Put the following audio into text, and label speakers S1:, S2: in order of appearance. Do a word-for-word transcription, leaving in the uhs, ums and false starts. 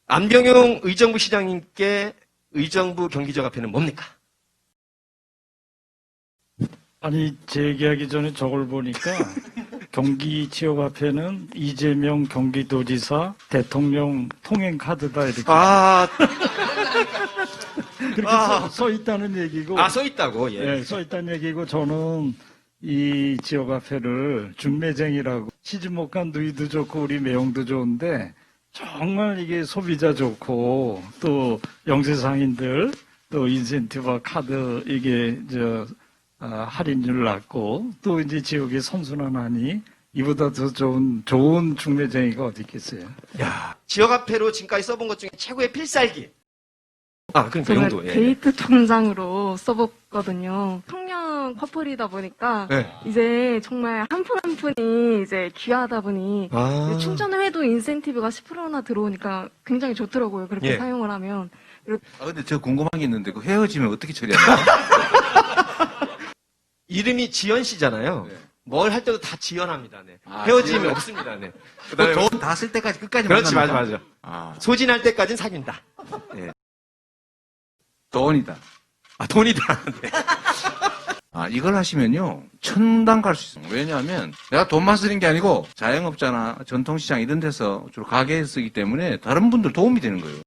S1: 안병용 의정부 시장님께 의정부 경기지역화폐는 뭡니까?
S2: 아니, 제기하기 전에 저걸 보니까 경기 지역화폐는 이재명 경기도지사 대통령 통행카드다 이렇게
S1: 아,
S2: 그렇게
S1: 아.
S2: 써, 써 있다는 얘기고.
S1: 아, 써 있다고, 예.
S2: 네, 써 있다는 얘기고 저는 이 지역화폐를 중매쟁이라고 시집 못 간 누이도 좋고 우리 매형도 좋은데 정말 이게 소비자 좋고 또 영세상인들 또 인센티브와 카드 이게 저 아, 할인율 낮고 또 이제 지역이 선순환하니 이보다 더 좋은 좋은 중매쟁이가 어디 있겠어요?
S1: 야, 지역화폐로 지금까지 써본 것 중에 최고의 필살기. 아, 그러니까
S3: 제가
S1: 용도. 예.
S3: 데이트 통장으로 써봤거든요. 청년 커플이다 보니까
S1: 네.
S3: 이제 정말 한 푼 한 푼이 이제 귀하다 보니
S1: 아.
S3: 충전을 해도 인센티브가 십 퍼센트나 들어오니까 굉장히 좋더라고요. 그렇게
S1: 예.
S3: 사용을 하면.
S4: 아, 근데 저 궁금한 게 있는데, 그 헤어지면 어떻게 처리하나요?
S1: 이름이 지연 씨잖아요.
S4: 네.
S1: 뭘 할 때도 다 지연합니다. 네.
S4: 아,
S1: 헤어짐이
S4: 지연.
S1: 없습니다. 네. 그다음에
S4: 돈 다 쓸 때까지 끝까지
S1: 그렇지, 맞아,
S4: 만납니까?
S1: 맞아.
S4: 아,
S1: 소진할 때까지는 사귄다. 예.
S4: 돈이다.
S1: 아, 돈이다. 네.
S4: 아, 이걸 하시면요, 천당 갈 수 있어요. 왜냐하면, 내가 돈만 쓰는 게 아니고, 자영업자나 전통시장 이런 데서 주로 가게에 쓰기 때문에, 다른 분들 도움이 되는 거예요.